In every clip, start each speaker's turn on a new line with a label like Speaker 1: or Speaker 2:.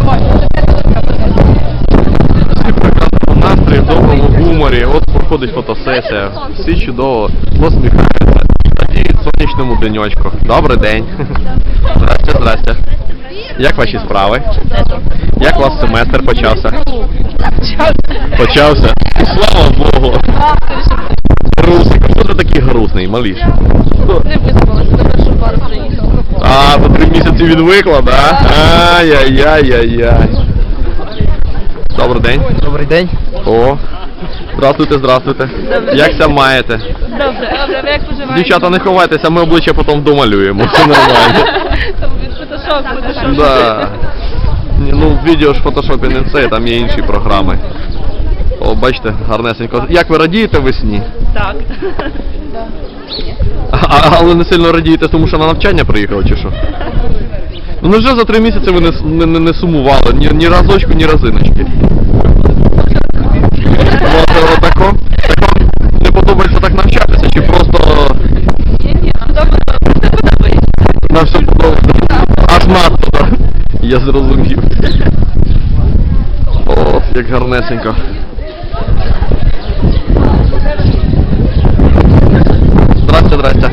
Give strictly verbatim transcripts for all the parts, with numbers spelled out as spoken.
Speaker 1: Всі в прекрасному настрої, в доброму гуморі. От проходить фотосесія. Всі чудово посміхаються. Радіють сонячному денечку. Добрий день. Здрасте, здрасте. Як ваші справи? Як у вас семестр почався? Почався? Слава Богу! Грустик, хто ти такий грустний, маліш?
Speaker 2: Не виспалася, до першу пару приїхала.
Speaker 1: А, за три місяці відвикла, да? Ай-яй-яй-яй-яй. Добрий день.
Speaker 3: Добрий день.
Speaker 1: О, здравствуйте, здравствуйте. Якся маєте?
Speaker 2: Добре, добре, ви як поживаєте?
Speaker 1: Дівчата, не ховайтеся, ми обличчя потім домалюємо, все нормально.
Speaker 2: Фотошоп, фотошоп.
Speaker 1: Да. Ні, ну, відео ж в фотошопі не це, там є інші програми. О, бачите, гарнесенько. Як ви радієте весні?
Speaker 2: Так.
Speaker 1: А, але не сильно радієте, тому що на навчання приїхали, чи що? Ну вже за три місяці ви не, не, не сумували, ні, ні разочку, ні разиночки. Може отако? Так вам не подобається так навчатися, чи просто...
Speaker 2: Ні, ні, нам добре, все подобається.
Speaker 1: Нам все подобається? Аж надто, так? Я зрозумів. О, як гарнесенько. Здрасте, здрасте.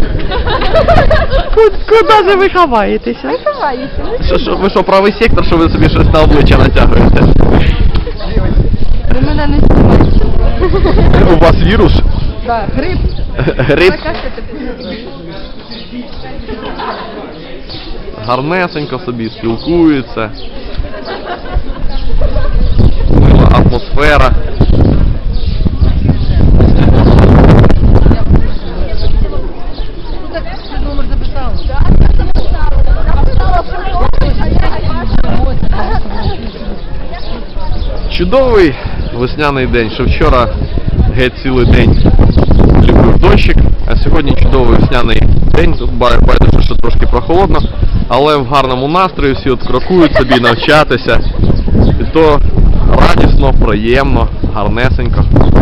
Speaker 3: Куди же ви ховаєтеся?
Speaker 1: Що, що, ви що, правий сектор, що ви собі щось на обличчя натягуєте?
Speaker 3: Ви мене не знімаєте.
Speaker 1: У вас вірус?
Speaker 3: Так, гриб.
Speaker 1: Гриб? Гарнесенько собі спілкуються. Мила атмосфера.
Speaker 3: Номер записав.
Speaker 1: Чудовий весняний день, що вчора геть цілий день любив дощик, а сьогодні чудовий весняний день, тут байдуже, що трошки прохолодно, але в гарному настрої всі от крокують собі навчатися, і то радісно, приємно, гарнесенько.